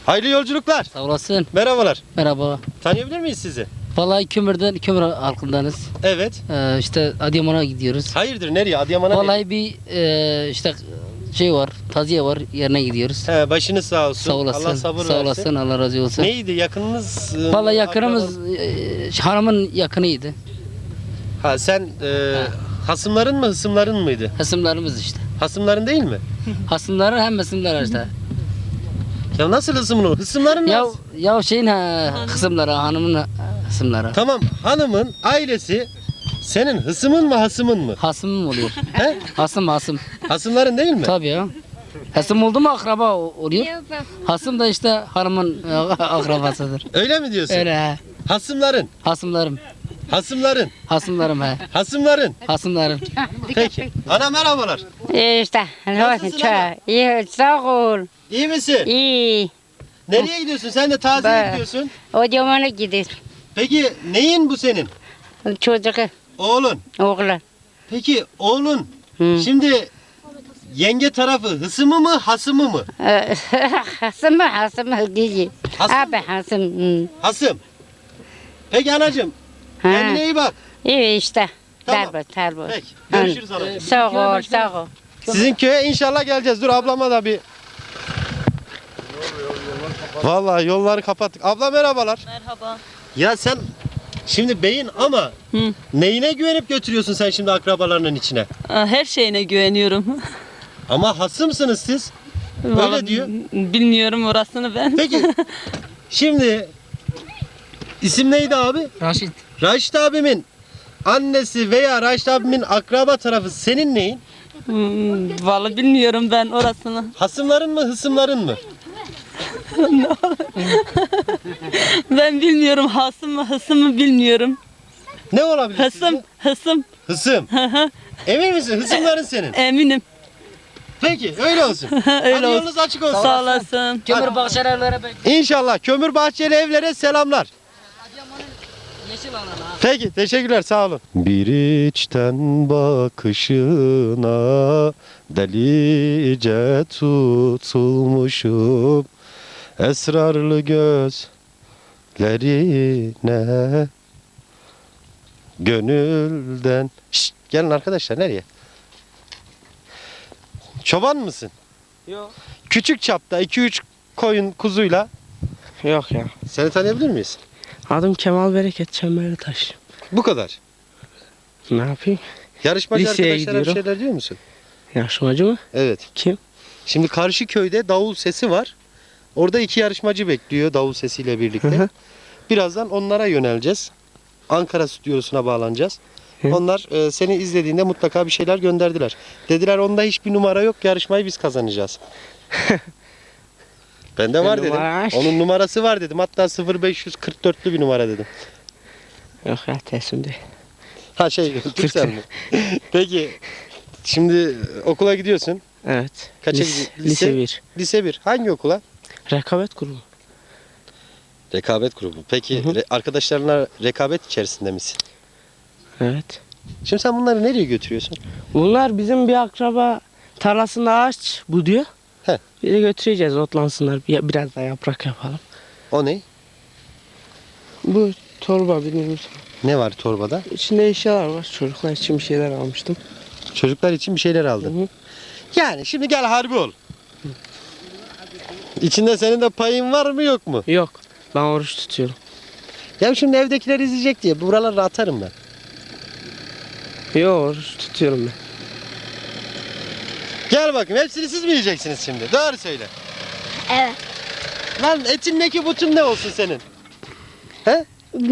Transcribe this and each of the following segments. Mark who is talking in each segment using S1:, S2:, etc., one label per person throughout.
S1: Hayırlı yolculuklar.
S2: Sağ olasın.
S1: Merhabalar.
S2: Merhaba.
S1: Tanıyabilir miyiz sizi?
S2: Vallahi kömür halkındanız.
S1: Evet.
S2: İşte Adıyaman'a gidiyoruz.
S1: Hayırdır, nereye? Adıyaman'a nereye?
S2: Vallahi bir işte şey var, taziye var, yerine gidiyoruz.
S1: He, başınız sağ olsun.
S2: Sağ olasın.
S1: Allah sabır
S2: Sağ
S1: versin.
S2: olasın, Allah razı olsun.
S1: Neydi yakınınız?
S2: Vallahi yakınımız hanımın yakınıydı.
S1: Ha sen hasımların mı hısımların mıydı?
S2: Hasımlarımız işte.
S1: Hasımların değil mi?
S2: Hasımları hem hasımlar işte.
S1: Ya nasıl hısımın o? Hısımların
S2: Ya
S1: nasıl?
S2: ya şeyin kısımları, hanımın kısımları.
S1: Tamam, hanımın ailesi senin hısımın mı hasımın mı?
S2: Hasımım oluyor.
S1: He?
S2: Hasım.
S1: Hasımların değil mi?
S2: Tabii ya. Hasım oldu mu akraba oluyor. Hasım da işte hanımın akrabasıdır.
S1: Öyle mi diyorsun?
S2: Öyle he.
S1: Hasımların,
S2: Hasımlarım.
S1: hasımların,
S2: Hasımlarım he.
S1: hasımların.
S2: Hasımlarım.
S1: Peki. Ana merhabalar.
S3: İşte.
S1: Nasılsın ana?
S3: İyi, sağ ol.
S1: İyi misin?
S3: İyi.
S1: Nereye gidiyorsun? Sen de taziye
S3: Ben-
S1: gidiyorsun.
S3: O zamana gidiyor.
S1: Peki neyin bu senin?
S3: Çocuğu,
S1: Oğlun.
S3: oğlan.
S1: Peki oğlun
S3: Hı.
S1: şimdi yenge tarafı hısımı mı hasımı mı?
S3: Hasım değil.
S1: Hasım
S3: Abi Hasım. Hı.
S1: Hasım. Peki anacığım
S3: Ha.
S1: kendine iyi bak.
S3: İyi işte.
S1: Tamam.
S3: Tabii.
S1: Peki görüşürüz anacığım.
S3: Sağ ol.
S1: Sizin köye inşallah geleceğiz. Dur ablama da bir. Vallahi yolları kapattık. Abla merhabalar.
S4: Merhaba.
S1: Ya sen şimdi beyin ama neyine güvenip götürüyorsun sen şimdi akrabalarının içine?
S4: Her şeyine güveniyorum.
S1: Ama hasımsınız siz.
S4: Vallahi
S1: diyor.
S4: Bilmiyorum orasını ben.
S1: Peki şimdi isim neydi abi?
S2: Raşit.
S1: Raşit abimin annesi veya Raşit abimin akraba tarafı senin neyin?
S4: Vallahi bilmiyorum ben orasını.
S1: Hasımların mı hısımların mı?
S4: Ben bilmiyorum hasım mı hısım mı bilmiyorum.
S1: Ne olabilir
S4: Hısım,
S1: sizce?
S4: hısım.
S1: Hısım. Emin misin? Hısımların senin.
S4: Eminim.
S1: Peki öyle olsun.
S4: Öyle
S1: Hadi
S4: olsun.
S1: yolunuz açık olsun.
S4: Sağ olasın.
S2: Kömür bahçelere
S1: İnşallah kömür bahçeli evlere selamlar.
S2: yeşil alana.
S1: Peki teşekkürler sağ olun. Bir içten bakışına delice tutulmuşum. Esrarlı gözlerine gönülden. Şşt, gelin arkadaşlar nereye? Çoban mısın?
S5: Yok.
S1: Küçük çapta 2-3 koyun kuzuyla.
S5: Yok ya.
S1: Seni tanıyabilir miyiz?
S5: Adım Kemal Bereket Çemberlitaş.
S1: Bu kadar.
S5: Ne yapayım?
S1: Yarışmacı
S5: Liseye
S1: arkadaşlara bir
S5: gidiyorum.
S1: şeyler diyor musun?
S5: Yarışmacı mı?
S1: Evet.
S5: Kim?
S1: Şimdi karşı köyde davul sesi var. Orada 2 yarışmacı bekliyor davul sesiyle birlikte.
S5: Hı hı.
S1: Birazdan onlara yöneleceğiz. Ankara stüdyosuna bağlanacağız.
S5: Hı.
S1: Onlar seni izlediğinde mutlaka bir şeyler gönderdiler. Dediler onda hiçbir numara yok, yarışmayı biz kazanacağız. Bende var dedim.
S5: Numara?
S1: Onun numarası var dedim. Hatta 0544'lü bir numara dedim.
S5: Yok ya teslim değil.
S1: Ha şey Türksel mi? Peki şimdi okula gidiyorsun.
S5: Evet.
S1: Kaça
S5: Lise,
S1: gidiyor?
S5: lise 1.
S1: Lise 1. Hangi okula?
S5: Rekabet grubu.
S1: Rekabet grubu. Peki
S5: Hı hı.
S1: arkadaşlarına rekabet içerisinde misin?
S5: Evet.
S1: Şimdi sen bunları nereye götürüyorsun?
S5: Bunlar bizim bir akraba tarlasında ağaç buduyor.
S1: He.
S5: Bir de götüreceğiz otlansınlar. Biraz da yaprak yapalım.
S1: O ne?
S5: Bu torba bilmiyorum.
S1: Ne var torbada?
S5: İçinde eşyalar var. Çocuklar için bir şeyler almıştım.
S1: Çocuklar için bir şeyler
S5: Hı
S1: aldın.
S5: hı.
S1: Yani şimdi gel harbi ol. İçinde senin de payın var mı yok mu?
S5: Yok. Ben oruç tutuyorum.
S1: Ya şimdi evdekiler izleyecek diye buraları atarım ben.
S5: Yok oruç tutuyorum ben.
S1: Gel bakayım hepsini siz mi yiyeceksiniz şimdi? Doğru söyle.
S3: Evet.
S1: Lan etin ne ki butun ne olsun senin? He?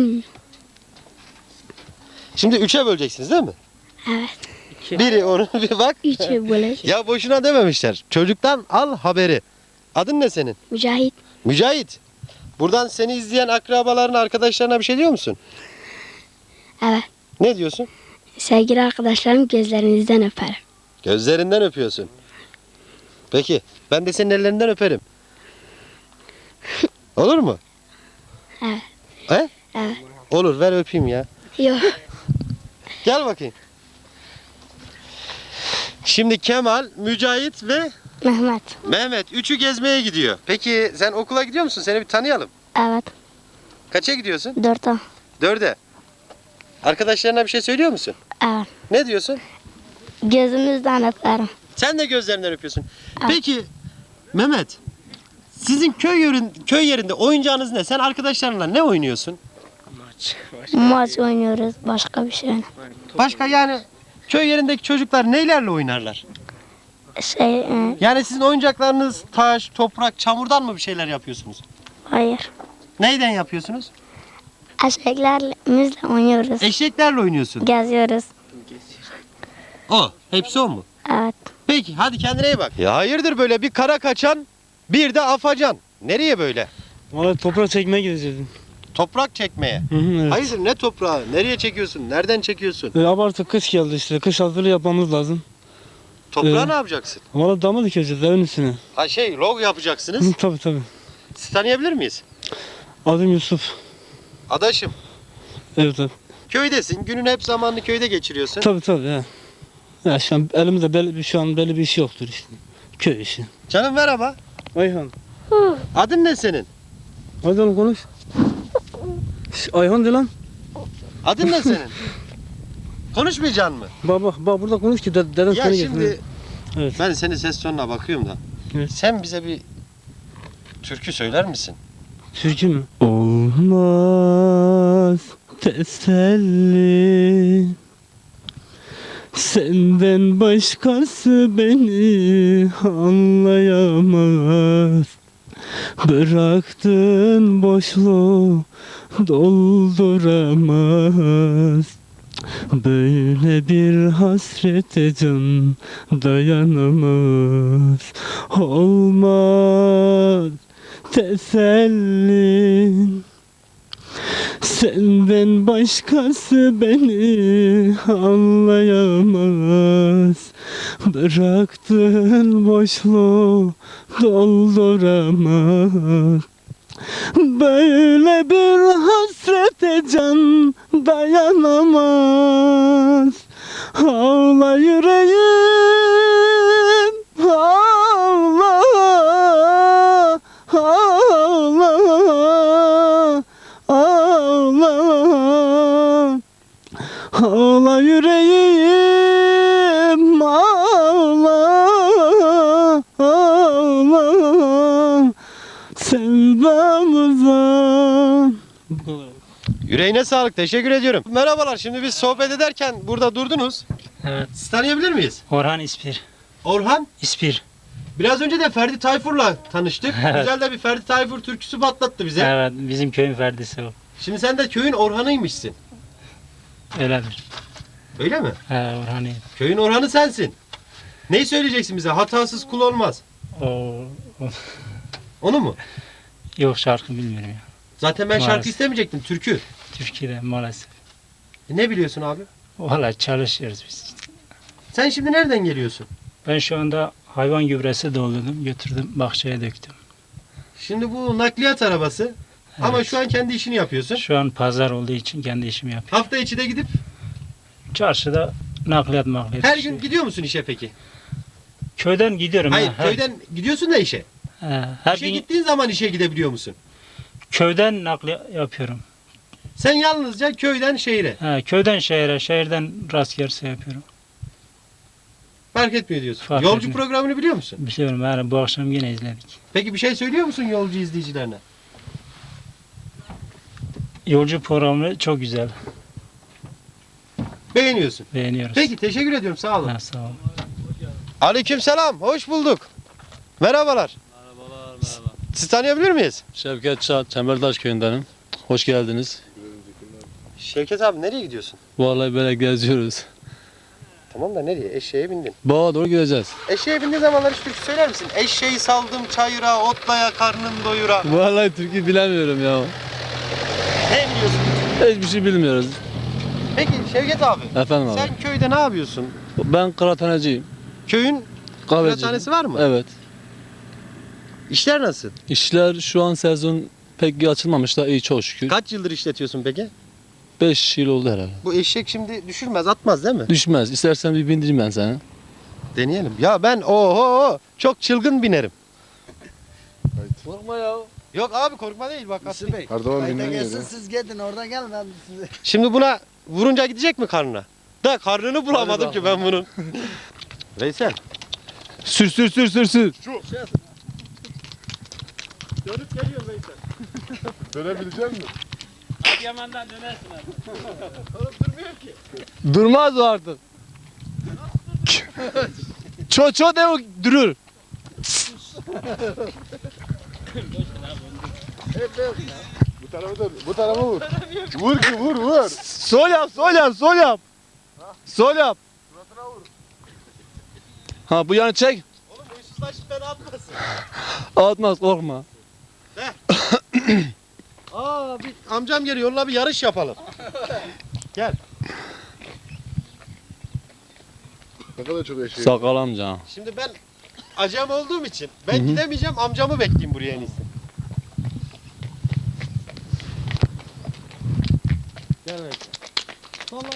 S1: Şimdi 3'e böleceksiniz değil mi?
S3: Evet.
S1: Biri onu bir bak.
S3: Üçe böyle.
S1: Ya boşuna dememişler. Çocuktan al haberi. Adın ne senin?
S3: Mücahit.
S1: Mücahit. Buradan seni izleyen akrabaların arkadaşlarına bir şey diyor musun?
S3: Evet.
S1: Ne diyorsun?
S3: Sevgili arkadaşlarım gözlerinizden öperim.
S1: Gözlerinden öpüyorsun. Peki ben de senin ellerinden öperim. Olur mu?
S3: Evet.
S1: He?
S3: Evet.
S1: Olur ver öpeyim ya.
S3: Yok.
S1: Gel bakayım. Şimdi Kemal, Mücahit ve
S3: Mehmet.
S1: Mehmet üçü gezmeye gidiyor. Peki sen okula gidiyor musun? Seni bir tanıyalım.
S3: Evet.
S1: Kaça gidiyorsun?
S3: 4'e.
S1: 4'e. Arkadaşlarına bir şey söylüyor musun?
S3: Evet.
S1: Ne diyorsun?
S3: Gözümüzden öperim.
S1: Sen de gözlerinden öpüyorsun. Peki Mehmet, sizin köy yerinde oyuncağınız ne? Sen arkadaşlarınla ne oynuyorsun?
S3: Maç oynuyoruz. Başka bir şey oynamıyoruz.
S1: Başka yani köy yerindeki çocuklar neylerle oynarlar? Yani sizin oyuncaklarınız taş, toprak, çamurdan mı bir şeyler yapıyorsunuz?
S3: Hayır.
S1: Neyden yapıyorsunuz?
S3: Eşeklerimizle oynuyoruz.
S1: Eşeklerle oynuyorsun.
S3: Geziyoruz.
S1: O, hepsi o mu?
S3: Evet.
S1: Peki hadi kendine iyi bak. Ya hayırdır böyle bir kara kaçan, bir de afacan. Nereye böyle?
S5: Valla toprağa çekmeye gideceğiz.
S1: Toprak çekmeye.
S5: Hı hı, evet.
S1: Hayırdır ne toprağı? Nereye çekiyorsun? Nereden çekiyorsun?
S5: Abartı kış geldi işte. Kış hazırlığı yapmamız lazım.
S1: Toprağı ne yapacaksın?
S5: Valla dama dikeceğiz evin üstüne.
S1: Ha log yapacaksınız.
S5: Hı, tabii.
S1: Sizi tanıyabilir miyiz?
S5: Adım Yusuf.
S1: Adaşım,
S5: Evet abi.
S1: köydesin. Günün hep zamanını köyde geçiriyorsun.
S5: Tabii ya. Ya şu an elimizde belli bir iş yoktur işte. Köy işi.
S1: Canım merhaba.
S5: Ayhan.
S1: Adın ne senin?
S5: Hadi oğlum konuş. Ayhan de lan.
S1: Adın ne senin? Konuşmayacaksın mı?
S5: Bak burada konuş ki deden
S1: Ya
S5: seni
S1: şimdi
S5: getirsin. Evet.
S1: ben senin ses tonuna bakıyorum da.
S5: Evet.
S1: Sen bize bir türkü söyler misin?
S5: Türkü mü? Olmaz teselli, senden başkası beni anlayamaz. Bıraktın boşluğu dolduramaz. Böyle bir hasrete can dayanamaz. Olmaz teselli, senden başkası beni anlayamaz. Bıraktığın boşluğu dolduramaz. Böyle bir hasrete can dayanamaz. Ağla yüreğim, ağla, ağla, ağla, ağla yüreğim, ağla, ağla, sevdamıza.
S1: Yüreğine sağlık. Teşekkür ediyorum. Merhabalar. Şimdi biz sohbet ederken burada durdunuz.
S6: Evet.
S1: Siz tanıyabilir miyiz?
S6: Orhan İspir.
S1: Orhan.
S6: İspir.
S1: Biraz önce de Ferdi Tayfur'la tanıştık.
S6: Evet.
S1: Güzel de bir Ferdi Tayfur türküsü patlattı bize.
S6: Evet, bizim köyün ferdisi o.
S1: Şimdi sen de köyün Orhan'ıymışsın.
S6: Öyledir.
S1: Öyle mi?
S6: He, Orhan'ı.
S1: Köyün Orhan'ı sensin. Neyi söyleyeceksin bize? Hatasız kul olmaz.
S6: O,
S1: Onu mu?
S6: yok şarkı bilmiyorum ya.
S1: Zaten ben şarkı
S6: Maalesef.
S1: istemeyecektim. Türkü.
S6: Türkiye'de maalesef.
S1: Ne biliyorsun abi?
S6: Valla çalışıyoruz biz.
S1: Sen şimdi nereden geliyorsun?
S6: Ben şu anda hayvan gübresi doldurdum, götürdüm, bahçeye döktüm.
S1: Şimdi bu nakliyat arabası. Ama
S6: Evet.
S1: şu an kendi işini yapıyorsun.
S6: Şu an pazar olduğu için kendi işimi yapıyorum.
S1: Hafta içi de gidip
S6: Çarşıda nakliyat
S1: her
S6: işi.
S1: gün gidiyor musun işe peki?
S6: Köyden gidiyorum.
S1: Hayır,
S6: ha, her,
S1: köyden gidiyorsun da işe.
S6: her
S1: İşe
S6: gün
S1: gittiğin zaman işe gidebiliyor musun?
S6: köyden nakliyat yapıyorum.
S1: Sen yalnızca köyden şehire.
S6: Köyden şehre, şehirden rast gelirse yapıyorum.
S1: Fark etmiyor diyorsun.
S6: Fark
S1: Yolcu
S6: etmiyor.
S1: programını biliyor musun?
S6: Biliyorum, yani bu akşam yine izledik.
S1: Peki bir şey söylüyor musun yolcu izleyicilerine?
S6: Yolcu programı çok güzel.
S1: Beğeniyorsun.
S6: Beğeniyoruz.
S1: Peki teşekkür ediyorum. Sağ olun.
S6: Ha, sağ ol.
S1: Aleykümselam. Hoş bulduk. Merhabalar.
S7: Merhaba.
S1: Sizi tanıyabilir miyiz?
S7: Şevket Çağ, Çembertaş köyündenim. Hoş geldiniz.
S1: Şevket abi nereye gidiyorsun?
S7: Vallahi böyle geziyoruz.
S1: Tamam da nereye? Eşeğe bindin.
S7: Bağa doğru gideceğiz.
S1: Eşeğe bindiğin zamanlar hiç türkü söyler misin? Eşeği saldım çayıra, otlaya karnım doyura.
S7: Vallahi türkü bilemiyorum ya.
S1: Ne biliyorsun?
S7: Hiçbir şey bilmiyoruz.
S1: Peki Şevket abi.
S7: Efendim abi.
S1: Sen köyde ne yapıyorsun?
S7: Ben kıraathaneciyim.
S1: Köyün
S7: Kahveciyim.
S1: kıraathanesi var mı?
S7: Evet.
S1: İşler nasıl?
S7: İşler şu an sezon pek açılmamış da iyi çok şükür.
S1: Kaç yıldır işletiyorsun peki?
S7: 5 yıl oldu herhalde.
S1: Bu eşek şimdi düşürmez, atmaz değil mi?
S7: Düşmez. İstersen bir bindireyim ben seni.
S1: Deneyelim. Ya ben oho çok çılgın binerim.
S7: Korkma ya.
S1: Yok abi korkma değil bak.
S8: Erdoğan dinlemiyor.
S9: Siz gidin oradan gelin ben size.
S1: Şimdi buna vurunca gidecek mi karnına? Da karnını bulamadım ki ben bunun. Veysel.
S7: Sür sür sür sür sür.
S1: Dönüp geliyor Veysel.
S8: Dönebilecek misin?
S6: Yaman'dan dönersin abi.
S1: Oğlum durmuyor ki.
S7: Durmaz o artık. Ço de o durur.
S8: Bu tarafa dön. Bu tarafa vur. Vur ki vur vur.
S7: Sol yap sol yap sol yap. Sol yap. Ha bu yana çek.
S1: Oğlum uysuzlaşıp beni atmasın.
S7: Atmaz korkma.
S1: Aa bir amcam geliyor onunla bir yarış yapalım. Gel.
S8: Ne kadar çok eşeği.
S7: Sakal amca.
S1: Şimdi ben acem olduğum için ben gidemeyeceğim amcamı bekleyeyim buraya en iyisi. Gel Veysel.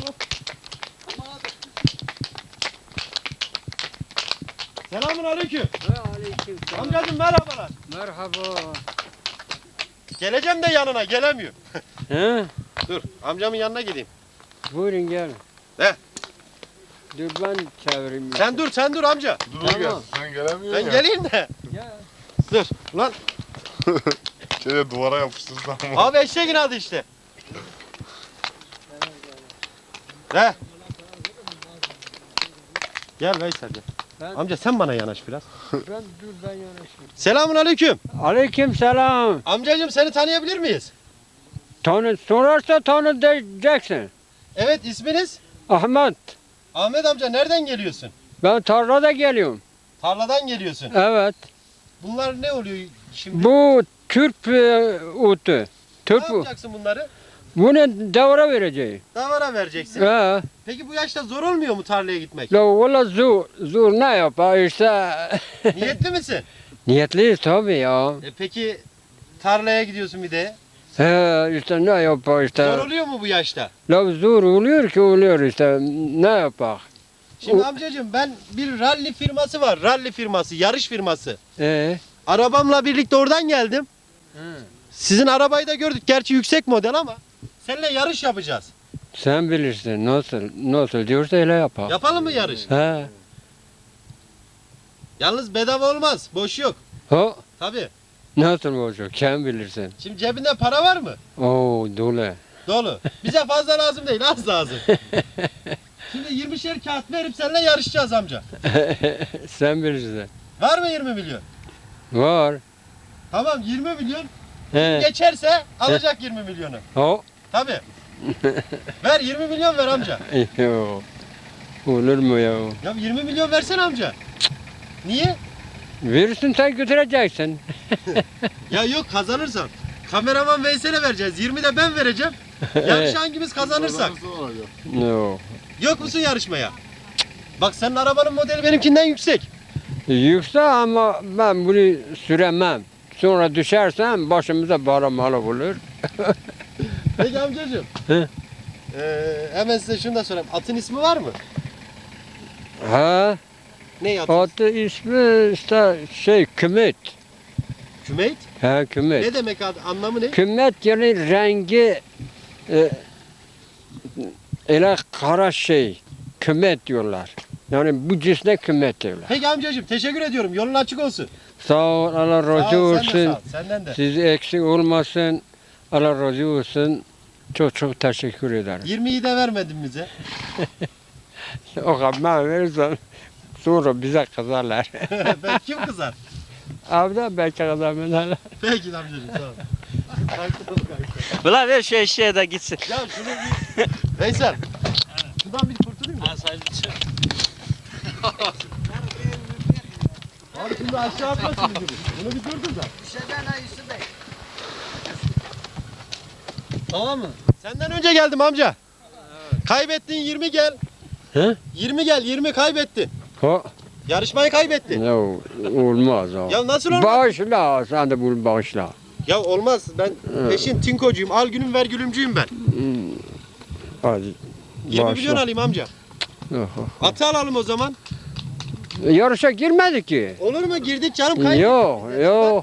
S1: Selamun aleyküm. Amcacım merhabalar.
S2: Merhaba.
S1: Geleceğim de yanına gelemiyor.
S2: He?
S1: Dur amcamın yanına gideyim.
S2: Buyurun gel.
S1: He.
S2: Dur ben çevireyim.
S1: Sen dur amca.
S8: Dur gel. Sen gelemiyorsun
S1: Ben
S8: ya.
S1: geleyim de. Dur. Ulan
S8: Şöyle duvara yapıştırırsan ama.
S1: abi eşeğin adı işte. He. Gel Veysel gel. Amca sen bana yanaş biraz.
S2: Ben yanaşayım.
S1: Selamun aleyküm.
S2: Aleyküm selam.
S1: Amcacığım seni tanıyabilir miyiz?
S2: Sorarsa tanı diyeceksin.
S1: Evet isminiz?
S2: Ahmet.
S1: Ahmet amca nereden geliyorsun?
S2: Ben tarlada geliyorum.
S1: Tarladan geliyorsun.
S2: Evet.
S1: Bunlar ne oluyor şimdi?
S2: Bu Türk otu.
S1: Ne
S2: Türk bu.
S1: yapacaksın bunları?
S2: Bunu davara vereceğim.
S1: Davara vereceksin.
S2: He.
S1: Peki bu yaşta zor olmuyor mu tarlaya gitmek?
S2: La valla zor ne yapar işte.
S1: Niyetli misin?
S2: Niyetliyiz tabii ya.
S1: Peki tarlaya gidiyorsun bir de.
S2: He işte ne yapar işte.
S1: Zor oluyor mu bu yaşta?
S2: La zor oluyor ki oluyor işte. Ne yapar?
S1: Şimdi amcacığım ben bir ralli firması var. Ralli firması, yarış firması. Arabamla birlikte oradan geldim. Sizin arabayı da gördük. Gerçi yüksek model ama seninle yarış yapacağız.
S2: Sen bilirsin nasıl diyorsa öyle yapar.
S1: Yapalım mı yarış?
S2: He.
S1: Yalnız bedava olmaz. Boş yok.
S2: O
S1: Tabii.
S2: nasıl olacak? Sen bilirsin.
S1: Şimdi cebinde para var mı?
S2: Oo dolu.
S1: Dolu. Bize fazla lazım değil, az lazım. Şimdi 20'şer kağıt verip seninle yarışacağız amca.
S2: Sen bilirsin.
S1: Var mı 20 milyon?
S2: Var.
S1: Tamam 20 milyon.
S2: He.
S1: Geçerse alacak 20 milyonu.
S2: O.
S1: Tabii. Ver 20 milyon ver amca.
S2: Yo. Olur mu ya?
S1: Ya 20 milyon versene amca. Niye?
S2: Verirsin sen götüreceksin.
S1: Ya yok kazanırsam. Kameraman Veysel'e vereceğiz. 20 de ben vereceğim. Yarış hangimiz kazanırsak.
S2: Yo.
S1: Yok musun yarışmaya? Bak senin arabanın modeli benimkinden yüksek.
S2: Yüksek ama ben bunu süremem. Sonra düşersem başımıza baramalı olur.
S1: Peki amcacığım.
S2: He.
S1: Hemen size şunu da sorayım. Atın ismi var mı?
S2: Ha?
S1: Ne atın?
S2: Adı ismi işte Kümit.
S1: Kümeyt?
S2: Ha Kümit.
S1: Ne demek adı? Anlamı ne?
S2: Kümit yani rengi öyle kara Kümit diyorlar. Yani bu cisne kümit diyorlar.
S1: Peki amcacığım teşekkür ediyorum. Yolun açık olsun.
S2: Sağ ol, Allah
S1: Sağ
S2: razı
S1: ol, sen de sağ
S2: olsun.
S1: ol. Senden de.
S2: Siz eksik olmasın. Allah razı olsun. Çok teşekkür ederim.
S1: 20'yi de vermedin bize.
S2: O kadar verirsem sonra bize kızarlar.
S1: Ben kim kızar?
S2: Abi belki kızarlar.
S1: Peki amcacığım sağ ol.
S5: Ulan ver şu eşeğe de gitsin.
S1: Ya şunu bir... Veysel. Şundan bir kurtulayım mı? Abi şimdi aşağı atmasın bizi bu. Bunu bir durdur da. Tamam mı? Senden önce geldim amca. Kaybettin 20 gel.
S2: He?
S1: 20 gel 20 kaybettin.
S2: O
S1: Yarışmayı kaybettin.
S2: ne olmaz o.
S1: Ya nasıl olmaz?
S2: Bağışla sen de bunu bağışla.
S1: Ya olmaz. Ben peşin tinkocuyum. Al günüm ver gülümcüyüm ben.
S2: Hadi.
S1: 20 milyon alayım amca.
S2: Oho.
S1: Atı alalım o zaman.
S2: Yarışa girmedi ki.
S1: Olur mu? Girdik canım kaybettik.
S2: Yok.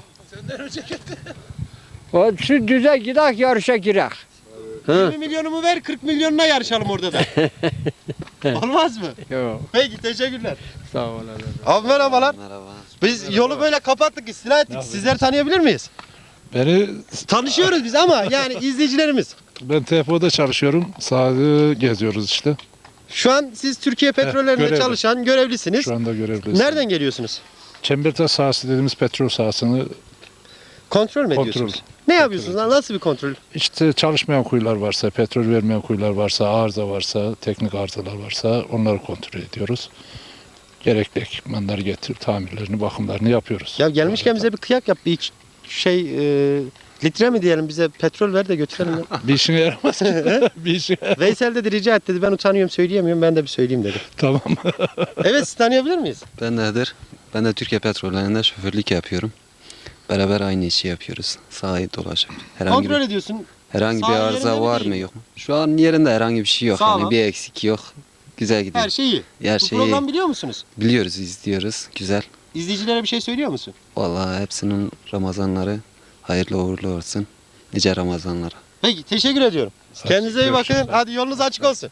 S2: O şu düze gidak yarışa girek.
S1: 20 milyonumu ver 40 milyonuna yarışalım orada da. Olmaz mı?
S2: Yok.
S1: Peki teşekkürler.
S2: Sağ olun.
S1: Abi merhabalar.
S10: Merhaba.
S1: Biz yolu böyle kapattık, istila ettik. Sizleri tanıyabilir miyiz?
S8: Beni,
S1: Tanışıyoruz biz ama yani izleyicilerimiz.
S8: ben TFO'da çalışıyorum. Sahada geziyoruz işte.
S1: Şu an siz Türkiye Petrollerinde
S8: görevli.
S1: çalışan görevlisiniz.
S8: Şu anda görevliyiz.
S1: Nereden geliyorsunuz?
S8: Çembertaş sahası dediğimiz petrol sahasını
S1: Kontrol mü
S8: Kontrol.
S1: ediyorsunuz? Ne yapıyorsunuz lan? Nasıl bir kontrol?
S8: işte çalışmayan kuyular varsa, petrol vermeyen kuyular varsa, arıza varsa, teknik arızalar varsa onları kontrol ediyoruz. Gerekli ekipmanları getirip tamirlerini, bakımlarını yapıyoruz.
S1: Ya gelmişken bize bir kıyak yap. Bir litre mi diyelim bize petrol ver de götürelim ya.
S8: Bir işine yaramaz ki. Bir işine.
S1: Veysel dedi rica et dedi. Ben utanıyorum söyleyemiyorum. Ben de bir söyleyeyim dedi.
S8: Tamam.
S1: Evet sizi tanıyabilir miyiz?
S10: Ben Nedir? Ben de Türkiye Petrollerinde şoförlük yapıyorum. Beraber aynı işi yapıyoruz. Sahayı dolaşıp.
S1: Kontrol ediyorsun.
S10: Herhangi bir
S1: Saha
S10: arıza
S1: yerinde mi
S10: var
S1: değil
S10: mı
S1: mi?
S10: yok mu? Şu an yerinde herhangi bir şey yok.
S1: Sağlam.
S10: Yani bir eksik yok. Güzel gidiyor.
S1: Her şey iyi.
S10: Her
S1: Bu
S10: şeyi
S1: program biliyor musunuz?
S10: biliyoruz, izliyoruz. Güzel.
S1: İzleyicilere bir şey söylüyor musun?
S10: Vallahi hepsinin Ramazanları hayırlı uğurlu olsun. Nice Ramazanlara.
S1: Peki teşekkür ediyorum. Kendinize iyi bakın. Hadi yolunuz açık olsun.